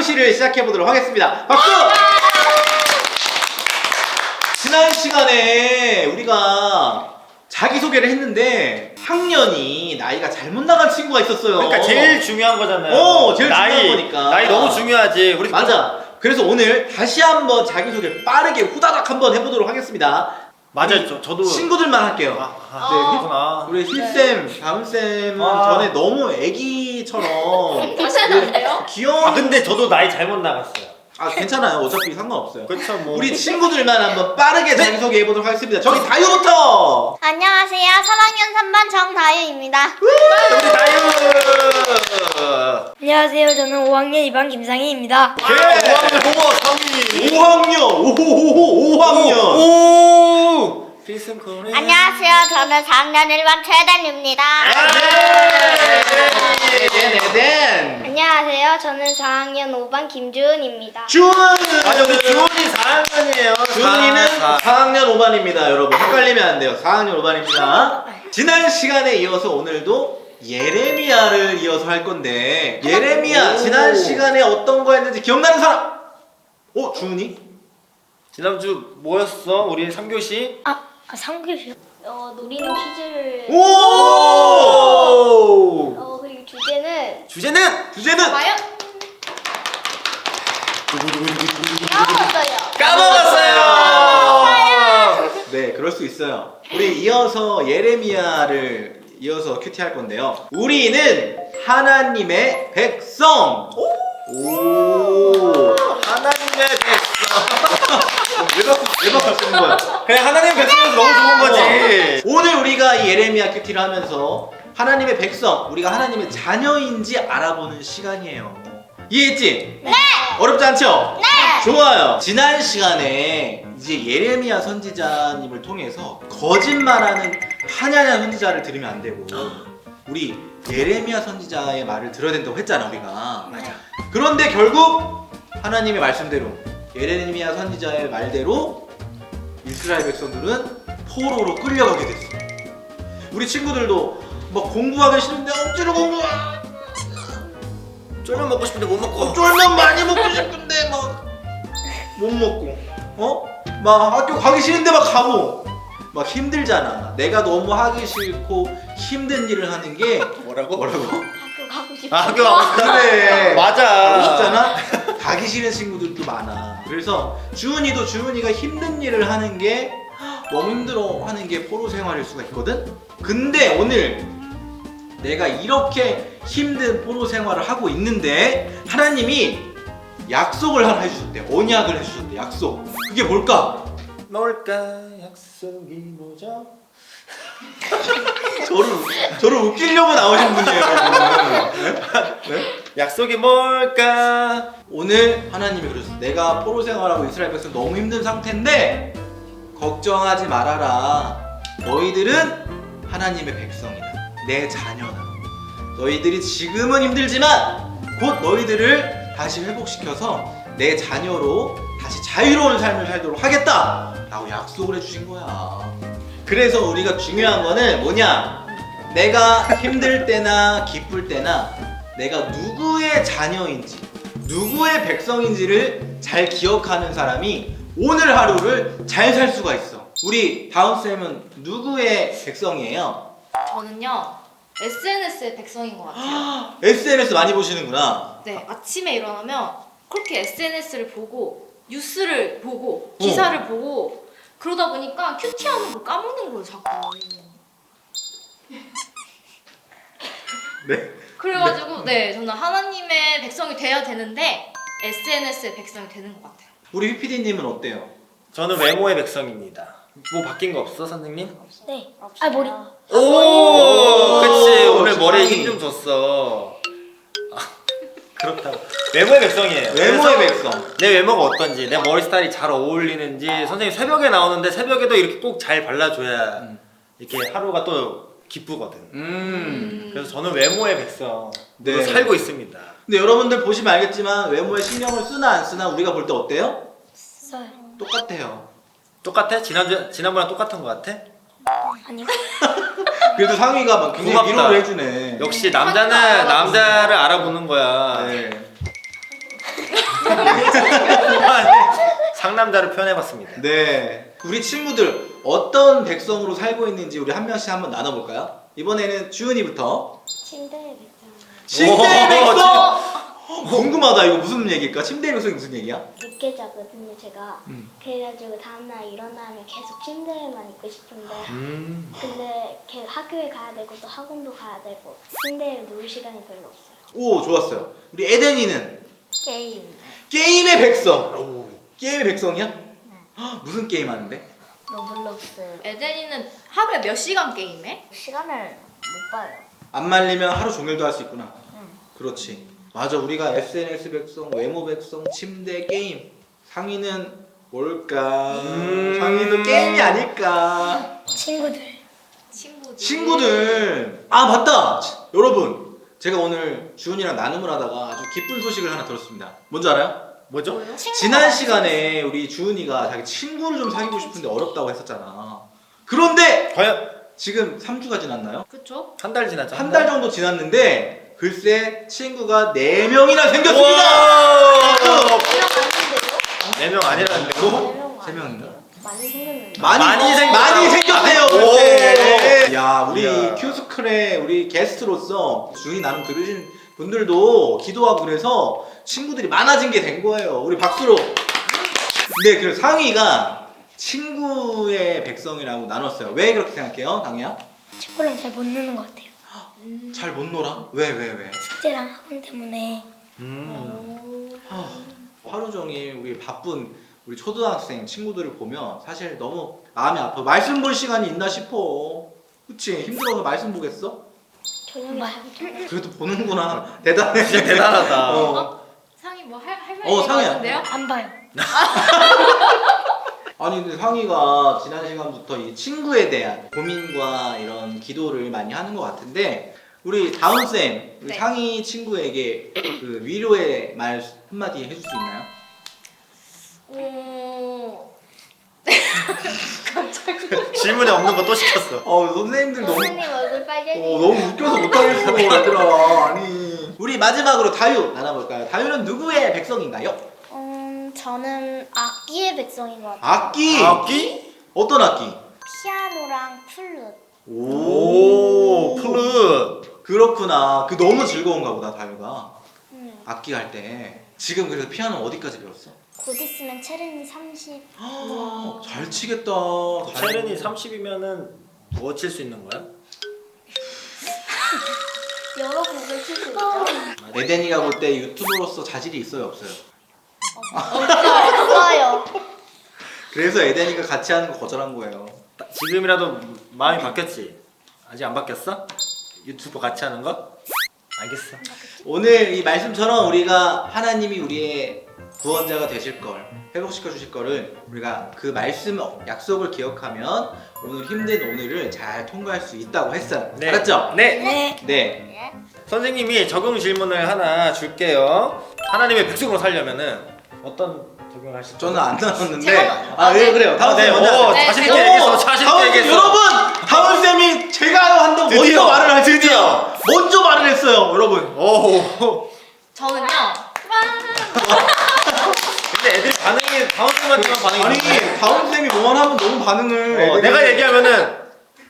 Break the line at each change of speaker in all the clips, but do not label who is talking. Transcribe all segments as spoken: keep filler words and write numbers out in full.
자기소개를 시작해보도록 하겠습니다. 박수! 지난 시간에 우리가 자기소개를 했는데 학년이 나이가 잘못 나간 친구가 있었어요.
그러니까 제일 중요한 거잖아요.
어, 제일
나이,
중요한 거니까.
나이 너무 중요하지. 우리
맞아. 그래서 오늘 다시 한번 자기소개 빠르게 후다닥 한번 해보도록 하겠습니다.
맞아요. 저, 저도
친구들만 할게요.
아, 아,
네,
그렇구나.
우리 힐쌤, 다음쌤은
아.
전에 너무 애기처럼
다시 하면 안 돼요?
귀여운.
아 근데 저도 나이 잘못 나갔어요.
아 괜찮아요. 어차피 상관없어요.
그렇죠 뭐.
우리 친구들만 한번 빠르게 자기소개 해보도록 하겠습니다. 저기 다유부터.
안녕하세요. 삼 학년 삼 반 정다유입니다.
우리 다유.
안녕하세요. 저는 오 학년 이 반 김상희입니다.
예. 오 학년 보고 성희.
오 학년. 오호호호 오 학년.
오. 필승 코리.
안녕하세요. 저는 사 학년 일 반 최단입니다.
네네네.
안녕하세요. 저는 사 학년 오 반 김주은입니다.
주은.
맞아 우리 주원이 사 학년이에요.
주은이는 사 학년 오 반입니다. 여러분 헷갈리면 안 돼요. 사 학년 오 반입니다. 지난 시간에 이어서 오늘도 예레미야를 이어서 할 건데 예레미야
오.
지난 시간에 어떤 거 했는지 기억나는 사람? 어? 주은이?
지난주 뭐였어? 우리 삼 교시?
아, 아 상규
어, 노리는 퀴즈를.
오!
어, 그리고 주제는.
주제는
주제는
봐요? 까먹었어요.
까먹었어요.
네, 그럴 수 있어요. 우리 이어서 예레미야를 이어서 큐티 할 건데요. 우리는 하나님의 백성. 오.
하나님의 백성.
왜 바꾸 왜 바꾸는 거야?
그냥 하나님 백성에서 너무 좋은 거지.
오늘 우리가 이 예레미야 큐티를 하면서 하나님의 백성, 우리가 하나님의 자녀인지 알아보는 시간이에요. 이해했지?
네.
어렵지 않죠?
네.
좋아요. 지난 시간에 이제 예레미야 선지자님을 통해서 거짓말하는 하냐냐 선지자를 들으면 안 되고 우리 예레미야 선지자의 말을 들어야 된다고 했잖아 우리가.
맞아.
그런데 결국 하나님의 말씀대로 예레미야 선지자의 말대로 이스라엘 백성들은 포로로 끌려가게 됐어. 우리 친구들도 막 공부하기 싫은데 억지로 공부.
쫄면 먹고 싶은데 못 먹고.
쫄면 많이 먹고 싶은데 막 못 먹고 어? 막 학교 가기 싫은데 막 가고 막 힘들잖아. 내가 너무 하기 싫고 힘든 일을 하는 게
뭐라고?
뭐라고?
학교 가고 싶어.
아, 학교 가고 싶다.
그래.
맞아.
가고 싶잖아. 가기 싫은 친구들도 많아. 그래서 주은이도 주은이가 힘든 일을 하는 게 너무 힘들어 하는 게 포로 생활일 수가 있거든. 근데 오늘 내가 이렇게 힘든 포로 생활을 하고 있는데 하나님이 약속을 하나 해주셨대. 언약을 해주셨대. 약속. 그게 뭘까?
뭘까 약속이 뭐죠?
저를 저를 웃기려고 나오신 분이에요. 네?
약속이 뭘까?
오늘 하나님이 그러셨어. 내가 포로 생활하고 이스라엘 백성 너무 힘든 상태인데 걱정하지 말아라. 너희들은 하나님의 백성이다. 내 자녀다. 너희들이 지금은 힘들지만 곧 너희들을 다시 회복시켜서 내 자녀로 다시 자유로운 삶을 살도록 하겠다 라고 약속을 해주신 거야. 그래서 우리가 중요한 거는 뭐냐, 내가 힘들 때나 기쁠 때나 내가 누구의 자녀인지 누구의 백성인지를 잘 기억하는 사람이 오늘 하루를 잘 살 수가 있어. 우리 다운쌤은 누구의 백성이에요?
저는요 에스엔에스의 백성인 것 같아요.
에스엔에스 많이 보시는구나.
네, 아침에 일어나면 그렇게 에스엔에스를 보고 뉴스를 보고 기사를 보고 그러다 보니까 큐티하는 걸 까먹는 거예요 자꾸.
네.
그래가지고 네 저는 하나님의 백성이 돼야 되는데 에스엔에스의 백성이 되는 것 같아요.
우리 휘피디님은 어때요?
저는 외모의 백성입니다. 뭐 바뀐 거 없어 선생님?
네. 아 머리.
오, 그치. 오늘
주방이.
머리에 힘 좀 줬어. 아, 그렇다고. 외모의 백성이에요.
외모의
그래서
백성.
내 외모가 어떤지, 내 머리 스타일이 잘 어울리는지. 선생님 새벽에 나오는데 새벽에도 이렇게 꼭 잘 발라줘야
음.
이렇게 하루가 또 기쁘거든.
음.
그래서 저는 외모의 백성으로
네.
살고 있습니다.
근데 여러분들 보시면 알겠지만 외모에 신경을 쓰나 안 쓰나 우리가 볼 때 어때요?
써요.
똑같아요.
똑같아? 지난주 지난번랑 똑같은 거 같아?
아니요.
그래도 상위가 막 굉장히
고맙다.
위로를 해주네.
역시 남자는 남자를 알아보는 거야.
네.
상남자를 표현해봤습니다.
네. 우리 친구들 어떤 백성으로 살고 있는지 우리 한 명씩 한번 나눠볼까요? 이번에는 주은이부터.
침대의 백성.
침대의
오,
백성! 어, 궁금하다. 이거 무슨 얘기일까? 침대의 백성이 무슨 얘기야?
늦게 자거든요, 제가.
음.
그래가지고 다음날 일어나면 계속 침대에만 있고 싶은데
음.
근데 걔 학교에 가야 되고 또 학원도 가야 되고 침대에 누울 시간이 별로 없어요.
오, 좋았어요. 우리 에덴이는
게임.
게임의 백성. 게임의 백성이야? 헉, 무슨 게임 하는데?
로블록스.
에덴이는 하루에 몇 시간 게임해?
시간을 못 봐요.
안 말리면 하루 종일도 할 수 있구나. 그렇지. 맞아. 우리가 에스엔에스 백성, 외모 백성, 침대, 게임. 상위는 뭘까?
음.
상위도 게임이 아닐까?
친구들.
친구들.
친구들. 아, 맞다. 치, 여러분, 제가 오늘 주은이랑 나눔을 하다가 아주 기쁜 소식을 하나 들었습니다. 뭔지 알아요?
뭐죠?
뭐요?
지난 시간에 우리 주은이가 자기 친구를 좀 사귀고 싶은데 어렵다고 했었잖아. 그런데
과연
지금 삼 주가 지났나요?
그쵸?
한 달 지났죠?
한 달 정도 지났는데 글쎄 친구가 네 명이나 생겼습니다.
우와!
네
네 명 아니라는데요?
세 명인가?
많이 생겼는데.
많이
많이 생-
많이 생겼대요.
오.
글쎄. 야, 우리
이야.
큐스클의 우리 게스트로서 주은이 나눔 들으신 분들도 기도하고 그래서 친구들이 많아진 게 된 거예요. 우리 박수로. 네, 그 상위가 친구의 백성이라고 나눴어요. 왜 그렇게 생각해요, 강희야?
친구랑 잘 못 노는 것 같아요.
잘 못 놀아? 왜, 왜, 왜?
숙제랑 학원 때문에.
음.
하, 하루 종일 우리 바쁜 우리 초등학생 친구들을 보면 사실 너무 마음이 아파. 말씀 볼 시간이 있나 싶어. 그치? 힘들어서 말씀 보겠어?
저녁에
말-
자고
그래도 보는구나. 대단해.
진짜 대단하다.
어.
상이 뭐 할 할 말이
어,
있는 것
상이야.
같은데요?
안 봐요.
아니 근데 상희가 지난 시간부터 이 친구에 대한 고민과 이런 기도를 많이 하는 것 같은데 우리 다운 쌤, 우리
네.
상희 친구에게 그 위로의 말 한마디 해줄 수 있나요?
어...
질문에 없는 거 또 시켰어.
어 선생님들 너무
선생님 얼굴 빨개지.
어, 너무 웃겨서 못하겠어 얘들아. 아니 우리 마지막으로 다유 나눠볼까요? 다유는 누구의 백성인가요?
음, 저는 악기의 백성인 것 같아요.
악기.
악기?
어떤 악기?
피아노랑 플룻.
오, 플룻.
그렇구나. 그 너무 즐거운가 보다 다유가
음.
악기 할 때. 지금 그래서 피아노 어디까지 배웠어?
곧 있으면 체르니 삼십.
아, 잘 치겠다.
체른이 삼십이면은 뭐 칠 수 있는 거야?
여러 곡을 칠 수 있죠.
에덴이가 볼 때 유튜버로서 자질이 있어요, 없어요?
없어요.
그래서 에덴이가 같이 하는 거 거절한 거예요.
지금이라도 마음이 바뀌었지? 아직 안 바뀌었어? 유튜브 같이 하는 거? 알겠어.
오늘 이 말씀처럼 우리가 하나님이 우리의 구원자가 되실 걸 회복시켜 주실 거를 우리가 그 말씀 약속을 기억하면 오늘 힘든 오늘을 잘 통과할 수 있다고 했어요.
네.
알았죠?
네.
네.
네.
선생님이 적용 질문을 하나 줄게요. 하나님의 백성으로 살려면은 어떤 적용을 하실까요?
저는 안 나눴는데
제가-
아, 예, 그래요. 다운
네,
쌤 먼저
오,
하세요.
네,
자신
제가-
있게 얘기했어. 자신
다운
있게
쌤,
얘기했어.
여러분! 다운 쌤이 제가 한다고 먼저
드디어,
말을 할
드디어.
먼저 말을 했어요, 여러분.
오.
저는요.
근데 애들이 반응이 다운쌤한테만 반응이
아니,
좋네.
다운 쌤이 뭐만 하면 너무 반응을
어,
애들이-
내가 얘기하면은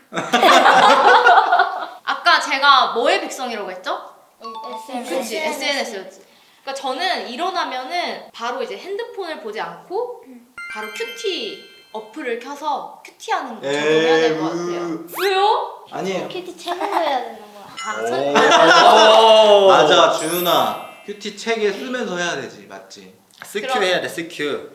아까 제가 뭐의 백성이라고 했죠?
에스엔에스.
그치 에스엔에스였지. 그러니까 저는 일어나면은 바로 이제 핸드폰을 보지 않고 바로 큐티 어플을 켜서 큐티하는 거 적용해야 될 것 같아요. 왜요?
아니에요.
큐티 채널로 해야 되는 거야.
아,
오.
맞아, 주은아. 큐티 책에 쓰면서 해야 되지, 맞지?
스큐
그럼-
해야 돼, 스큐.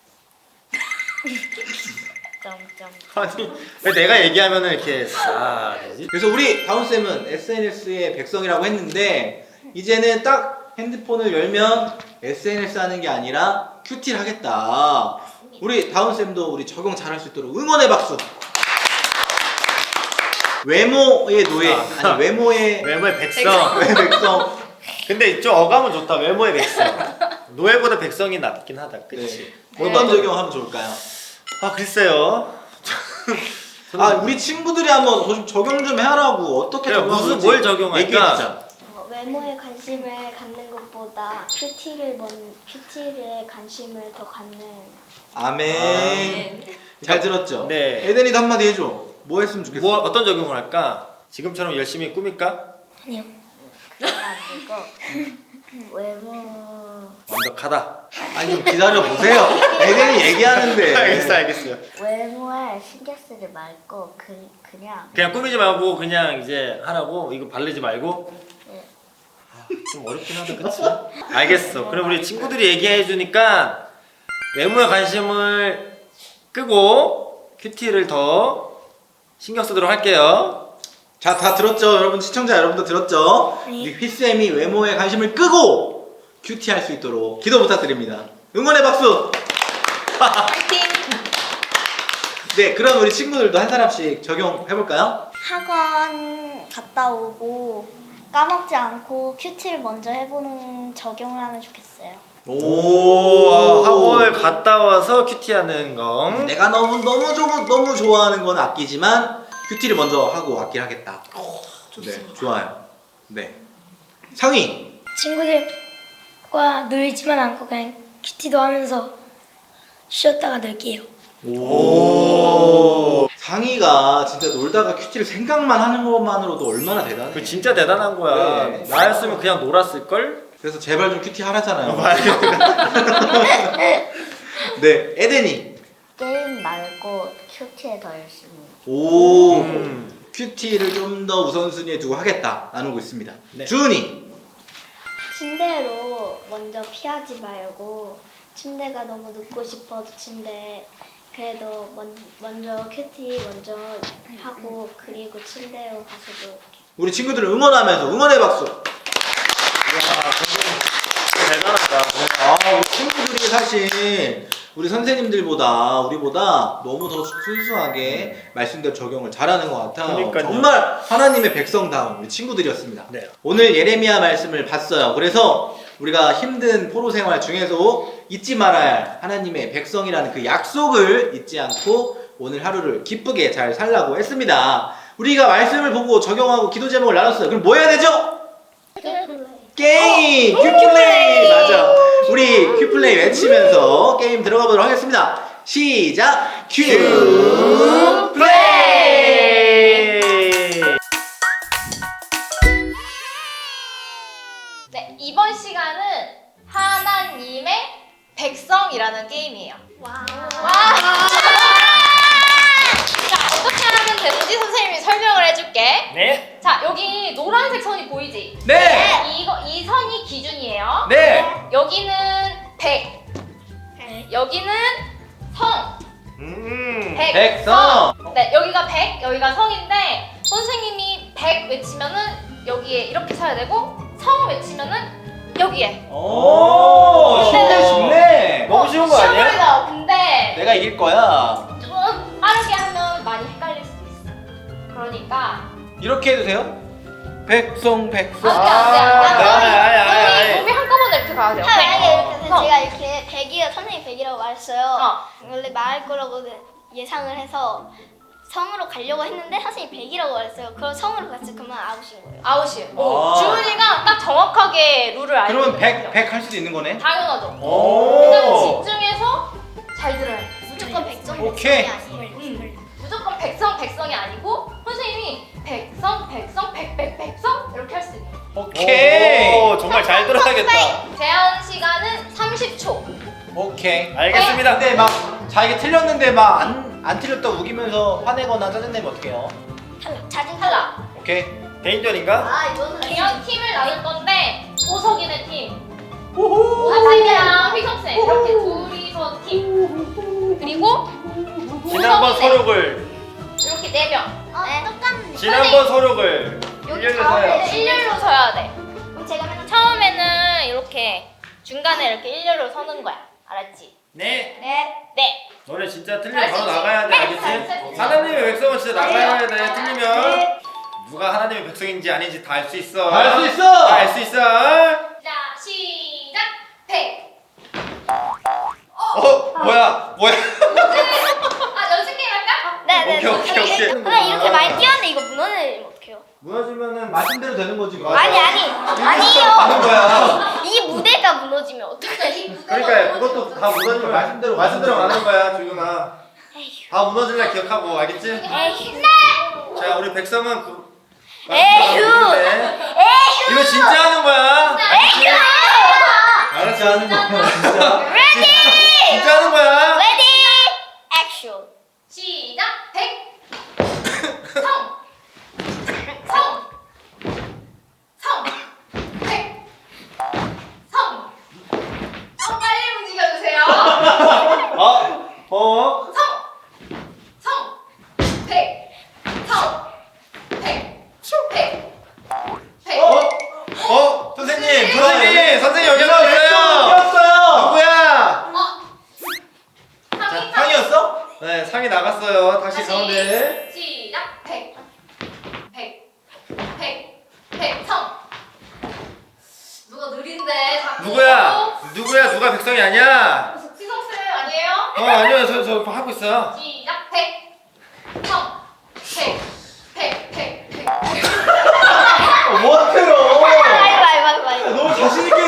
점점.
아니, 왜 내가 얘기하면은 이렇게 아 되지?
그래서 우리 다운 쌤은 에스엔에스의 백성이라고 했는데 이제는 딱 핸드폰을 열면 에스엔에스 하는 게 아니라 큐티를 하겠다. 우리 다운 쌤도 우리 적용 잘할 수 있도록 응원의 박수. 외모의 노예, 아니 외모의
외모의 백성.
외 백성.
근데 좀 어감은 좋다. 외모의 백성. 노예보다 백성이 낫긴 하다. 그치?
네. 어떤 적용하면 좋을까요?
아 글쎄요.
아 우리 친구들이 한번 좀 적용 좀 해라고 어떻게
그래,
적용하는지
무슨 뭘 적용할까?
얘기해주자.
어, 왜 외모에 관심을 갖는 것보다 큐티를 먼 큐티에 관심을 더 갖는.
아멘. 잘 들었죠?
네.
에덴이도 한마디 해줘. 뭐 했으면 좋겠어?
뭐 어떤 적용을 할까? 지금처럼 열심히 꾸밀까?
아니요.
외모
완벽하다.
아니 좀 기다려 보세요. 에덴이 얘기하는데.
알겠어, 알겠어요.
외모에 신경 쓰지 말고 그 그냥
그냥 꾸미지 말고 그냥 이제 하라고. 이거 바르지 말고.
네.
아, 좀 어렵긴 하다, 그치? 알겠어. 그럼 우리 친구들이 얘기해 주니까 외모에 관심을 끄고 큐티를 더 신경 쓰도록 할게요.
자, 다 들었죠? 여러분 시청자 여러분도 들었죠?
네.
우리 휘쌤이 외모에 관심을 끄고 큐티 할 수 있도록 기도 부탁드립니다. 응원의 박수.
파이팅!
네, 그럼 우리 친구들도 한 사람씩 적용해 볼까요?
학원 갔다 오고 까먹지 않고 큐티를 먼저 해보는 적용을 하면 좋겠어요.
오, 학원을 갔다 와서 큐티하는 거.
내가 너무 너무 좀 너무 좋아하는 건 아끼지만 큐티를 먼저 하고 아끼를 하겠다. 네, 좋아요. 네. 상희.
친구들과 놀지만 않고 그냥 큐티도 하면서 쉬었다가 놀게요.
오. 상희가 진짜 놀다가 큐티를 생각만 하는 것만으로도 얼마나 대단해.
그 진짜 대단한 거야.
네.
나였으면 그냥 놀았을 걸.
그래서 제발 좀 큐티 하라잖아요.
어,
네, 에덴이.
게임 말고 큐티에 더 열심히.
오.
음.
큐티를 좀 더 우선순위에 두고 하겠다 나누고 있습니다.
네.
주은이.
침대로 먼저 피하지 말고 침대가 너무 눕고 싶어도 침대 그래도 먼, 먼저 큐티 먼저 하고 그리고 침대로 가서 놀게.
우리 친구들을 응원하면서 응원의 박수.
대단하다.
아, 우리 친구들이 사실 우리 선생님들보다 우리보다 너무 더 순수하게 말씀대로 적용을 잘하는 것 같아요.
그러니까요.
정말 하나님의 백성다운 우리 친구들이었습니다.
네.
오늘 예레미야 말씀을 봤어요. 그래서 우리가 힘든 포로 생활 중에서 잊지 말아야 할 하나님의 백성이라는 그 약속을 잊지 않고 오늘 하루를 기쁘게 잘 살라고 했습니다. 우리가 말씀을 보고 적용하고 기도 제목을 나눴어요. 그럼 뭐 해야 되죠? 게임! 큐플레이! 맞아. 우리 큐플레이 외치면서 게임 들어가 보도록 하겠습니다. 시작! 큐플레이!
네, 이번 시간은 하나님의 백성이라는 게임이에요.
와.
와! 자, 어떻게 하면 되는지 선생님이 설명을 해줄게.
네.
자, 여기 노란색 선이 보이지?
네!
이거, 이 선이 기준이에요.
네!
여기는 백, 여기는 성,
음.
백,
백성!
네, 여기가 백, 여기가 성인데 선생님이 백 외치면은 여기에 이렇게 쳐야 되고 성 외치면은 여기에.
오! 쉽네, 쉽네!
너무 쉬운 거
쉬워
아니야?
보이죠? 근데
내가 이길 거야.
좀 빠르게 하면 많이 헷갈릴 수도 있어. 그러니까
이렇게 해도 돼요? 백성, 백성.
안돼 안돼
아이, 아이, 아이,
안돼.
아이.
몸이 몸이 한꺼번에 이렇게 가야 돼요.
만약에 이렇게
어,
해서
성.
제가 이렇게 백이라 선생님 백이라고 말했어요.
어.
원래 말할 거라고 예상을 해서 성으로 가려고 했는데 선생님이 백이라고 말했어요. 그럼 성으로 갔어요. 그러면 아웃인 거예요.
아웃이에요. 오,
아.
주은이가 딱 정확하게 룰을 알고
그러면
있는
백,
거죠.
백 할 수도 있는 거네?
당연하죠.
오!
일단 집중해서 잘 들어야 돼.
무조건 백성
오케이.
백성이 아니에요.
음. 무조건 백성 백성이 아니고 선생님이 백성 백성 백백 백성 이렇게 할 수 있는.
오케이.
오, 정말 잘 들어야겠다.
제한 시간은 삼십 초.
오케이.
알겠습니다.
근데 막 자기 틀렸는데 막 안 안 틀렸다 우기면서 화내거나 짜증내면 어떡해요?
자진
탈락.
오케이.
개인전인가?
아 이거는
그냥 팀을 나눌 건데 보석이네 팀. 선생님이랑 휘성쌤 이렇게 둘이서 팀. 그리고
지난번
보석이네.
서력을
이렇게 네 명.
네. 똑같네.
지난번 서력을 일렬로 서요.
일렬로 서야 돼.
그럼 제가 맨날
처음에는 이렇게 중간에 이렇게 일렬로 서는 거야. 알았지?
네.
네.
네.
너네 진짜 틀리면
잘할 수
바로
있지?
나가야 돼,
네,
알겠지?
잘할 수 있지.
하나님의 백성은 진짜 나가야 돼.
네.
틀리면
네.
누가 하나님의 백성인지 아닌지 다 알 수 있어.
다 알 수 있어!
다 알 수 있어.
자, 시작. 백.
어, 뭐야? 뭐야?
아, 연습 게임 할까?
네, 네네네.
오케이 오케이 오케이.
근데 이렇게 많이 뛰었는데 이거 무너지면 어떡해요?
무너지면은
말씀대로 되는 거지. 뭐.
아니 아니
가는
아니요.
거야.
이 무대가 무너지면 어떡해?
그러니까 그것도 다 무너지면
말씀대로
말씀대로
가는
가는 거야 주윤아.
에휴.
다 무너질라 기억하고 알겠지?
에휴.
자 우리 백성은 그
에휴.
에휴. 이거 진짜 하는 거야. 알겠지?
알았어 하는 거야 진짜.
레디.
진짜 하는 거야.
레디. 액션.
시작. 백. 성. 성. 성. 백. 성. 성 빨리 움직여주세요.
어? 어?
성. 성. 백. 성. 백. 백. 백.
어? 어? 선생님 선생님 선생님 여기
내가 왜
있어요.
뛰었어요?
누구야?
어. 상이
상이었어?
네 상이 나갔어요. 다시
다시.
가운데.
시작. 백. 백. 백. 백. 성. 누가 느린데 자꾸.
누구야? 누구야? 누가 백성이 아니야?
지성쌤 아니에요?
어 아니요 저 저 하고 있어요.
시작. 백. 성. 백. 백. 백. 백.
어, 뭐 하세요?
아이고 아이고 아이고 아이고.
너무 자신 있게.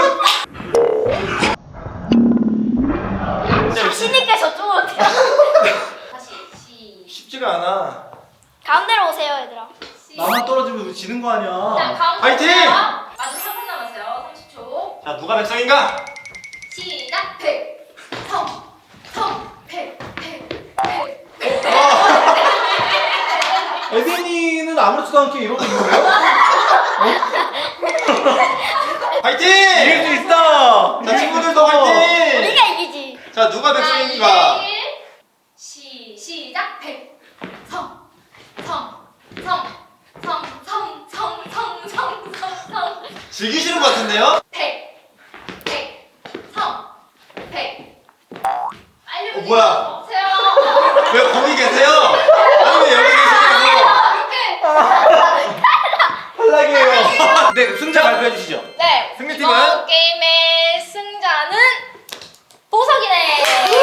자신 있게 저쪽으로 뛰어.
다시. 시.
쉽지가 않아.
가운데로 오세요 얘들아.
시.
나만 떨어지면 지는 거
자,
아니야.
가운데
파이팅!
오세요. 아직 삼 분 남았어요. 삼십 초.
자 누가 백성인가?
시작. 백. 성. 성. 백. 백. 백.
에덴이는 아무렇지도 않게 이러고 있는 거예요?
파이팅!
이길 수 있어.
자 친구들도 파이팅!
우리가 이기지.
자 누가 백성인가?
시 시작. 백. 성. 성. 성. 성. 성. 성. 성. 성. 성. 성.
즐기시는 것 같은데요?
백. 백. 성. 백. 빨리
어, 뭐야?
오세요.
왜 거기 계세요? 아니 왜 여기 계시냐고?
탈락이에요. 네, 승자 발표해 주시죠.
네.
승리팀은?
이번 게임의 승자는 보석이네.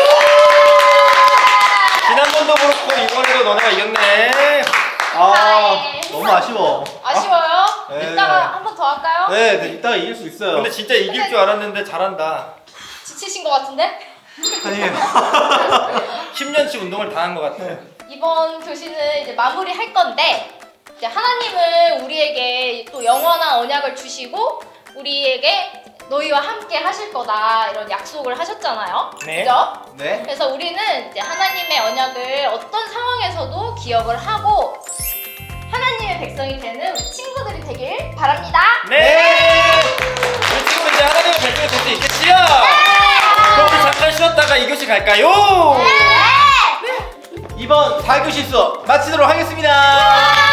지난번도 그렇고 이번에도 너네가 이겼네.
아, 너무 아쉬워.
아쉬워요?
네.
이따가 한 번 더 할까요?
네, 네, 이따가 이길 수 있어요.
근데 진짜 이길 줄 알았는데 잘한다.
지치신 것 같은데?
아니에요.
십 년치 운동을 다 한 것 같아.
이번 교시는 이제 마무리 할 건데 이제 하나님은 우리에게 또 영원한 언약을 주시고 우리에게 너희와 함께 하실 거다 이런 약속을 하셨잖아요.
네.
그죠?
네.
그래서 우리는 이제 하나님의 언약을 어떤 상황에서도 기억을 하고 하나님의 백성이 되는 우리 친구들이 되길 바랍니다.
네. 우리 친구 이제 하나님의 백성이 될 수 있겠지요? 그럼 우리 잠깐 쉬었다가 이 교시 갈까요?
이번 사 교시 수업 마치도록 하겠습니다.